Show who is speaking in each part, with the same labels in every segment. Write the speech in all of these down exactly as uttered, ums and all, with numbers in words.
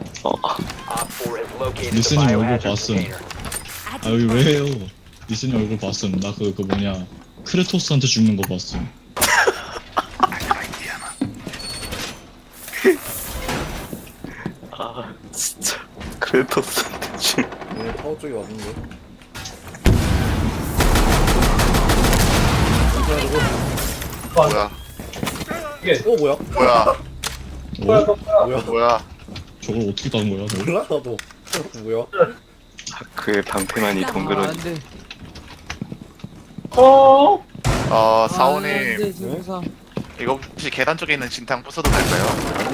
Speaker 1: 어,
Speaker 2: Op four has located the
Speaker 3: 리스님 얼굴
Speaker 2: biohazard
Speaker 3: 봤음.
Speaker 2: container.
Speaker 3: 아 여기 왜요? 리스님 얼굴 봤음. 나 그 그 뭐냐 크레토스한테 죽는 거 봤음.
Speaker 1: 아 진짜 크레토스한테 지금
Speaker 4: 얘네 타워 쪽에 왔는데.
Speaker 5: 뭐야?
Speaker 4: 어 뭐야?
Speaker 5: 뭐야?
Speaker 3: 어?
Speaker 4: 뭐야?
Speaker 5: 뭐야?
Speaker 3: 저걸 어떻게 간 거야? 너?
Speaker 4: 몰라 나도. 뭐야?
Speaker 1: 그의 방패만이 동그란
Speaker 6: 안돼.
Speaker 5: 어,
Speaker 6: 안돼
Speaker 5: 사오님.
Speaker 6: 진짜.
Speaker 5: 이거 혹시 계단 쪽에 있는 진탕 부숴도 될까요?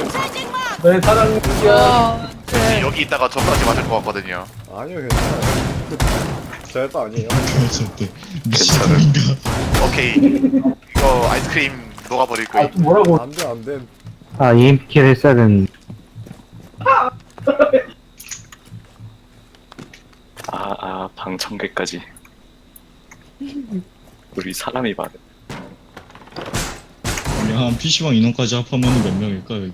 Speaker 6: 아,
Speaker 5: 혹시 여기 있다가 저까지 맞을 것 같거든요.
Speaker 4: 아니요 괜찮아요. 절대 아니에요.
Speaker 3: 절대 미친놈인가?
Speaker 5: 오케이. 이거 아이스크림 녹아버릴 거임.
Speaker 4: 안돼 안돼.
Speaker 7: 아, 이엠피를 했어야 되는데.
Speaker 1: 아아 방청객까지. 우리 사람이 많아.
Speaker 3: 아니 한 피시방 인원까지 합하면 몇 명일까 여기?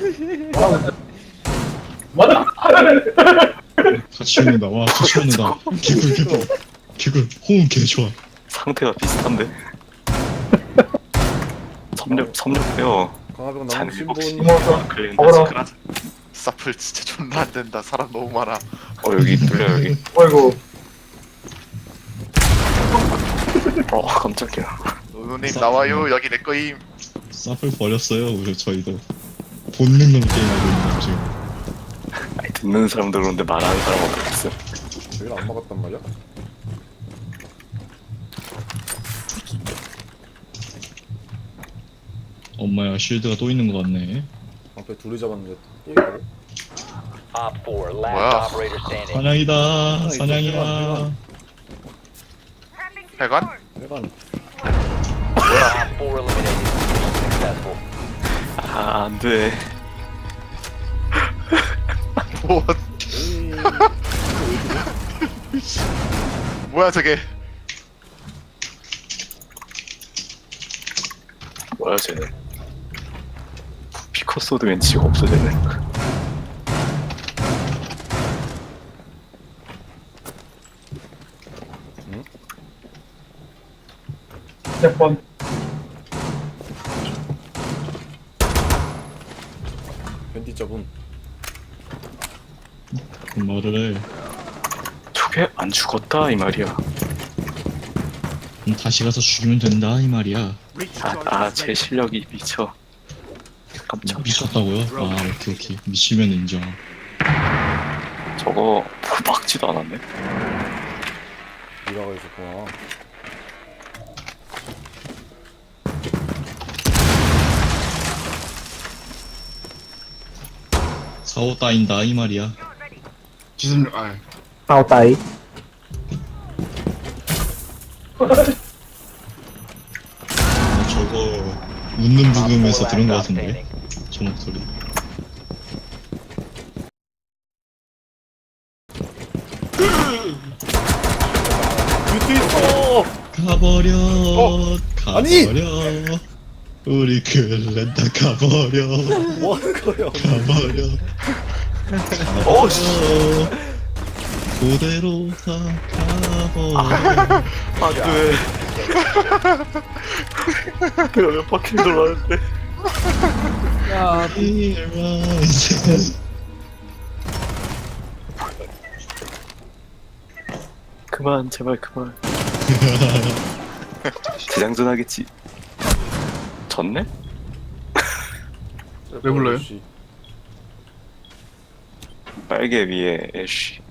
Speaker 3: 같이 오는다. 와 같이 오는다. 개굴 개굴 개굴 호응 개 좋아.
Speaker 1: 상태가 비슷한데. 섭렵 섭렵 빼요.
Speaker 4: 강화병
Speaker 1: 잔
Speaker 4: 남으신
Speaker 1: 일곱 시.
Speaker 4: 분.
Speaker 1: 클린다지 크라.
Speaker 5: 사플 진짜 존나 안 된다. 사람 너무 많아.
Speaker 1: 어 여기 뚫려 여기.
Speaker 8: 어이구.
Speaker 1: 어 깜짝이야.
Speaker 5: 노노님 나와요. 여기 내 거임.
Speaker 3: 사플 버렸어요. 우리 저희도 본능으로 게임하고 있는 거 지금.
Speaker 1: 아니 듣는 사람도 그런데 말하는 사람 어떻겠어?
Speaker 4: 저기를 안 막았단 말이야?
Speaker 3: 엄마야 쉴드가 또 있는 거 같네.
Speaker 4: 앞에 둘이 잡았는데 또 있다고?
Speaker 2: Op four,
Speaker 5: 뭐야?
Speaker 2: last operator standing.
Speaker 3: 사냥이다. 사냥이야.
Speaker 5: 해관?
Speaker 4: 해관.
Speaker 2: Op four eliminated. Successful.
Speaker 1: 아 안돼.
Speaker 5: 뭐?
Speaker 4: 에이.
Speaker 5: 뭐야 저게?
Speaker 1: 뭐야 쟤네. 피커소드 왠지가 없어졌네.
Speaker 8: 몇 번.
Speaker 4: 벤티 잡음.
Speaker 3: 그 말을 해.
Speaker 1: 저게 안 죽었다 이 말이야.
Speaker 3: 그럼 다시 가서 죽이면 된다 이 말이야.
Speaker 1: 아제 실력이 미쳐. 깜짝.
Speaker 3: 미쳤다고요? 아 오케이 오케이. 미치면 인정.
Speaker 1: 저거 막지도 않았네.
Speaker 4: 미라가 있었구나.
Speaker 3: 사오 따인다 이 말이야.
Speaker 5: 지금 아
Speaker 7: 아우, 따이.
Speaker 3: 아, 저거 웃는 부금에서 들은 거 같은데. 저 목소리.
Speaker 4: 뮤트 있어.
Speaker 3: 가버려.
Speaker 4: 아니!
Speaker 3: 가버려. 우리 글렌다 가버려.
Speaker 4: 뭐 하는 거야?
Speaker 3: 가버려.
Speaker 1: 어,
Speaker 3: 가버려. 그대로 다 가버려.
Speaker 1: 안돼. 내가 몇 바퀴 돌았는데.
Speaker 6: 야,
Speaker 3: 일만세.
Speaker 1: 그만 제발 그만. 대장전 하겠지. 졌네?
Speaker 4: 왜 불러요?
Speaker 1: 빨개 위에 애쉬.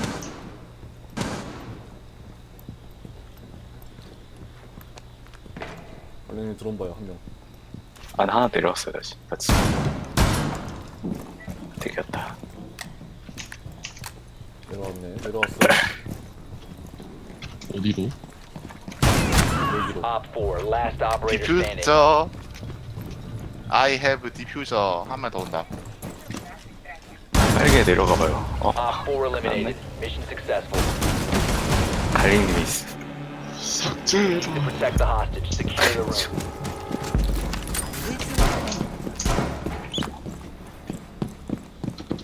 Speaker 4: 관련이 드론 봐요 한 명.
Speaker 1: 안 하나 내려왔어요 다시. 같이. 되겠다.
Speaker 4: 내려왔네. 내려왔어.
Speaker 3: 어디로?
Speaker 4: 여기로.
Speaker 2: Op four, last operator standing.
Speaker 5: 디퓨저. I have 디퓨저. 한 명 더 온다.
Speaker 1: 빨개 내려가봐요. 어?
Speaker 2: Op four eliminated. Mission successful.
Speaker 1: 갈릭님이 있어.
Speaker 2: Protect the hostage. Secure the room.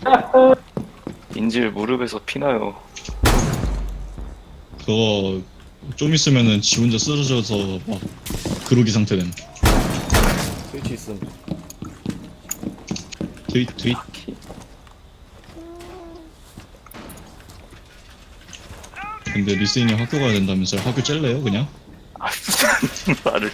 Speaker 1: 인질 무릎에서 피나요.
Speaker 3: 그거 좀 있으면은 지 혼자 쓰러져서 막 그러기 상태됨.
Speaker 4: 스위치 있음.
Speaker 3: 트윗 트윗. 근데 리스님 학교 가야 된다면서요? 학교 짤래요 그냥?
Speaker 1: 아 무슨 말을.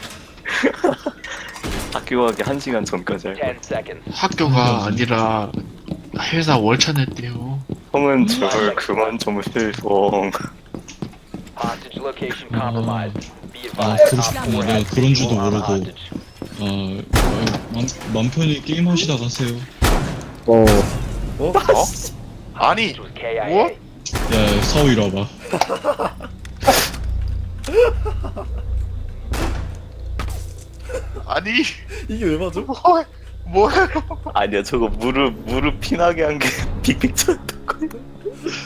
Speaker 1: 학교 가기 한 시간 전까지 할 거야.
Speaker 2: ten seconds.
Speaker 6: 학교가 아니라 회사 월차 냈대요.
Speaker 1: 형은 제발 그만 좀 해성.
Speaker 2: Hostage location compromised. Be
Speaker 3: 아
Speaker 2: advised.
Speaker 3: 그러고
Speaker 2: Op
Speaker 3: 싶구나.
Speaker 2: four
Speaker 3: 내가
Speaker 2: has
Speaker 3: 그런 줄도
Speaker 2: visual on
Speaker 3: 모르고.
Speaker 2: hostage.
Speaker 3: 아, 아 맘, 맘 편히 게임 하시다 가세요.
Speaker 7: 어,
Speaker 4: 어?
Speaker 5: 아니
Speaker 2: This was K I A.
Speaker 5: 뭐?
Speaker 3: 야 사오 이리 와봐.
Speaker 5: 아니
Speaker 4: 이게 왜 맞아?
Speaker 5: 뭐 뭐예요?
Speaker 1: 아니야 저거 무릎 무릎 피나게 한 게 빅픽처였던 거야.